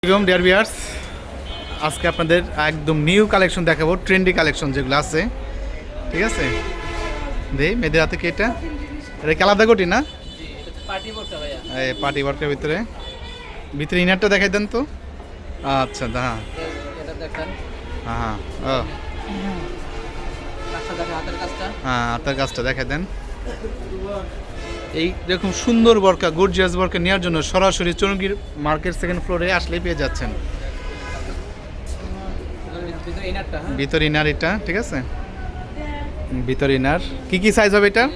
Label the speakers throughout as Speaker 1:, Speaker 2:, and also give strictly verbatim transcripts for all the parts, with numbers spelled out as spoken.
Speaker 1: আসসালামু dear viewers, আজকে আপনাদের একদম নিউ কালেকশন দেখাবো, ট্রেন্ডি কালেকশন যেগুলো আছে। ঠিক আছে, দেই মেয়েদের হাতে কি এটা এটা কি আলাদা কোটি না? এই পার্টি ওয়ার্কের ভিতরে ভিতরে ইনারটা দেখাই দেন তো। আচ্ছা হ্যাঁ হ্যাঁ ও হ্যাঁ হাতের কাজটা দেখাই দেন। এই রকম সুন্দর বরকা, গর্জিয়াস বরকা নেওয়ার জন্য সরাসরি চৌরঙ্গীর মার্কেট সেকেন্ড ফ্লোরে আসলেই পেয়ে যাচ্ছেন। ভিতর ইনার এটা, ঠিক আছে, ভিতর ইনার কি কি সাইজ হবে এটা?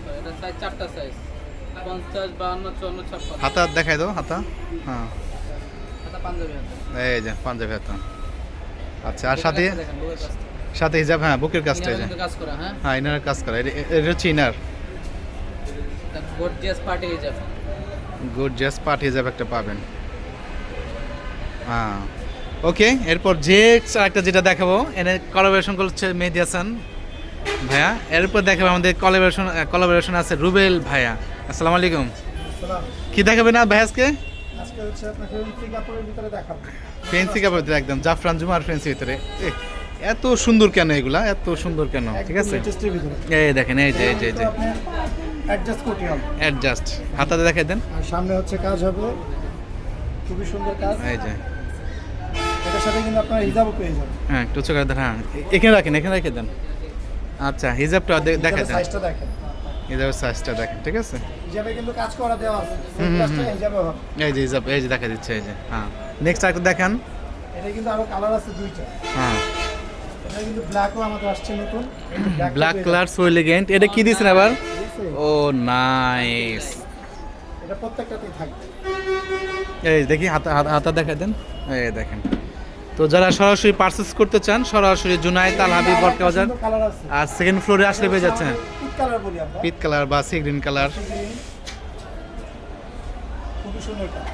Speaker 1: হাতা দেখাই দাও, হাতা হ্যাঁ এই যে পাঞ্জাবি হাতা। আচ্ছা আর সাথে সাথে হিজাব, হ্যাঁ বুকের কাজটা এই যে হ্যাঁ ইনারের কাজ করা, এটা হচ্ছে ইনার।
Speaker 2: গর্জিয়াস পার্টি হিজাব,
Speaker 1: গর্জিয়াস পার্টি হিজাব একটা পাবেন। হ্যাঁ ওকে, এরপর যে একটা যেটা দেখাবো এনে কোলাবোরেশন করছে মেহেদী হাসান ভাইয়া। এরপর দেখাবো আমাদের কোলাবোরেশন কোলাবোরেশন আছে রুবেল ভাইয়া। আসসালামু আলাইকুম। কি দেখাবে না ভাই আজকে?
Speaker 3: আজকে হচ্ছে আপনাকে ফেন্সি কাপড়ের ভিতরে দেখাবো।
Speaker 1: ফেন্সি কাপড়ের ভিতরে একদম জাফরান জুমার ফেন্সি ভিতরে। এ, এত সুন্দর কেন এগুলা, এত সুন্দর কেন? ঠিক আছে,
Speaker 3: লেটেস্টের ভিতরে
Speaker 1: এই দেখেন এই যে এই যে এই যে
Speaker 3: অ্যাডজাস্ট করতে হবে।
Speaker 1: অ্যাডজাস্ট হাতাতে দেখাই দেন।
Speaker 3: আর সামনে হচ্ছে কাজ হবে, খুবই সুন্দর কাজ।
Speaker 1: এই যে
Speaker 3: এটার সাথে কিন্তু আপনারা হিজাবও পেয়ে যাবেন।
Speaker 1: হ্যাঁ একটু চোখে দেন, হ্যাঁ এখানে রাখেন, এখানে রেখে দেন। আচ্ছা হিজাবটা দেখাই দেন,
Speaker 3: সাইজটা দেখেন,
Speaker 1: হিজাবের সাইজটা দেখেন। ঠিক আছে,
Speaker 3: হিজাবে কিন্তু কাজ করা দেওয়া আছে,
Speaker 1: হুম, হুম,
Speaker 3: কাজটা
Speaker 1: হুম।
Speaker 3: হিজাবে হবে।
Speaker 1: এই যে হিজাব, এই যে দেখা দিচ্ছে, এই যে হ্যাঁ নেক্সট আরেকটা দেখান।
Speaker 3: এটা কিন্তু আরো কালার আছে দুইটা।
Speaker 1: হ্যাঁ
Speaker 3: এটা কিন্তু ব্ল্যাকও আমাদের আসছে নতুন,
Speaker 1: ব্ল্যাক কালার সো এলিগেন্ট। এটা কি দিছেন আবার? Oh nice.
Speaker 3: এটা প্রত্যেকটাতেই থাকবে।
Speaker 1: এই দেখি হাতা হাতা- হাতা দেখাই দেন, এই দেখেন। তো যারা সরাসরি পারচেস করতে চান সরাসরি জুনায়েদ আল হাবিব বরকা বাজার
Speaker 3: কালার আছে,
Speaker 1: আর সেকেন্ড ফ্লোরে আসলে পেয়ে যাচ্ছেন।
Speaker 3: পিট কালার বলি আমরা,
Speaker 1: পিট কালার বা সি গ্রিন কালার।
Speaker 3: খুবই সুন্দর কাজ।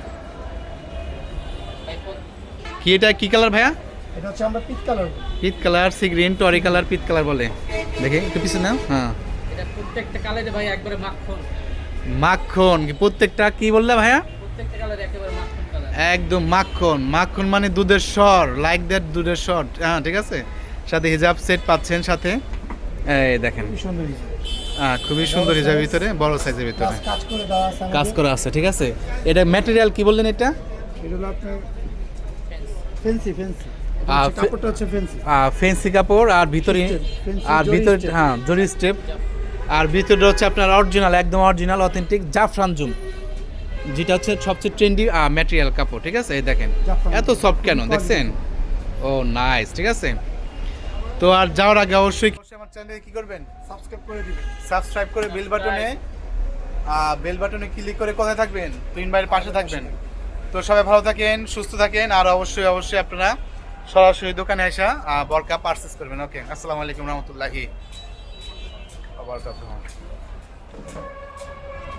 Speaker 1: কি এটা কি কালার ভাইয়া?
Speaker 3: এটা হচ্ছে আমরা পিট কালার বলি।
Speaker 1: পিট কালার, সি গ্রিন, টরি কালার, পিট কালার বলে। দেখি একটু পিছনে নাও। হ্যাঁ
Speaker 2: এটা প্রত্যেকটা কালারে ভাই একবারে মাখন,
Speaker 1: মাখন কি প্রত্যেকটা? কি বললে ভাইয়া?
Speaker 2: প্রত্যেকটা কালারে একেবারে মাখন কালার।
Speaker 1: একদম মাখন, মাখন মানে দুধের স্বর, লাইক দ্যাট দুধের স্বর। হ্যাঁ ঠিক আছে, সাথে হিজাব সেট পাচ্ছেন সাথে। এই দেখেন
Speaker 3: খুবই সুন্দর হিজাব।
Speaker 1: হ্যাঁ খুবই সুন্দর হিজাবের ভিতরে, বড় সাইজের ভিতরে
Speaker 3: কাজ কাজ করে দেওয়া আছে আমাদের।
Speaker 1: কাজ করা আছে। ঠিক আছে, এটা ম্যাটেরিয়াল কি বললেন এটা?
Speaker 3: এটা হলো আপনার ফেন্সি ফেন্সি
Speaker 1: আহ, ফে-
Speaker 3: কাপড়টা হচ্ছে ফেন্সি।
Speaker 1: ফেন্সি কাপড় আর ভিতরে
Speaker 3: Fancy
Speaker 1: আর
Speaker 3: জরি
Speaker 1: ভিতরে
Speaker 3: step।
Speaker 1: হ্যাঁ জরি স্টেপ, আর ভিতরে হচ্ছে আপনার অরিজিনাল, একদম অরিজিনাল অথেন্টিক জাফরান জুম, যেটা হচ্ছে সবচেয়ে ট্রেন্ডি ম্যাটেরিয়াল কাপড়। ঠিক আছে, এই দেখেন
Speaker 3: জাফরান
Speaker 1: এত
Speaker 3: জুম।
Speaker 1: সফট কেন
Speaker 3: Quality।
Speaker 1: দেখছেন? Oh nice. ঠিক আছে, তো আর যাওয়ার আগে অবশ্যই আমার চ্যানেলে কি করবেন?
Speaker 3: সাবস্ক্রাইব করে দিবেন।
Speaker 1: সাবস্ক্রাইব করে বেল বাটনে বেল বাটনে ক্লিক করে কোথায় থাকবেন? প্রিন্ট বাইরের পাশে থাকবেন। তো সবাই ভালো থাকেন, সুস্থ থাকেন, আর অবশ্যই অবশ্যই আপনারা সরাসরি দোকানে এসে বরকা পারচেস করবেন। ওকে, আসসালামু আলাইকুম রহমতুল্লাহি ওয়া বারাকাতুহু।